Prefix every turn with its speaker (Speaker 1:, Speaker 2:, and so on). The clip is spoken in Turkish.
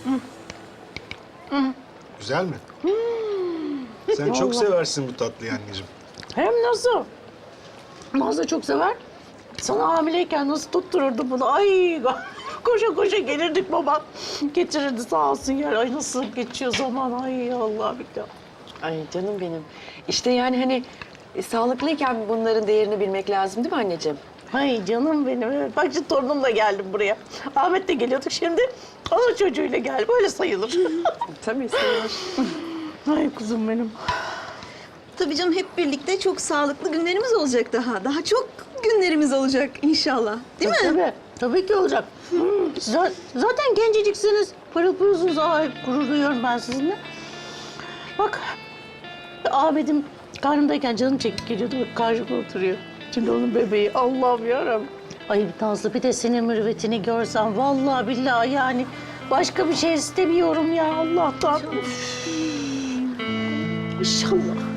Speaker 1: Güzel mi? Sen çok seversin bu tatlıyı anneciğim.
Speaker 2: Hem nasıl? Nazlı çok sever. Sana hamileyken nasıl tuttururdu bunu? Ay koşa koşa gelirdik baba. Getirirdi sağ olsun ya. Ay nasıl geçiyor zaman. Ay Allah billah.
Speaker 3: Ay canım benim. İşte yani hani sağlıklıyken bunların değerini bilmek lazım değil mi anneciğim?
Speaker 2: Ay canım benim. Evet. Bak şimdi torunumla geldim buraya. Ahmet de geliyorduk şimdi. Onun çocuğuyla geldi. Böyle sayılır.
Speaker 3: Tabii sayılır.
Speaker 2: Ay kuzum benim.
Speaker 4: Tabii canım hep birlikte çok sağlıklı günlerimiz olacak daha. Daha çok günlerimiz olacak inşallah. Değil mi?
Speaker 2: Tabii. Tabii ki olacak. Zaten genceciksiniz. Pırıl pırılsınız. Ay gurur duyuyorum ben sizinle. Bak Ahmet'im karnımdayken canım çekip geliyordu. Bak karşımda oturuyor. Şimdi onun bebeği. Allah'ım yarabbim. Ay Nazlı bir de senin mürüvvetini görsem vallahi billahi yani başka bir şey istemiyorum ya Allah'tan. İnşallah.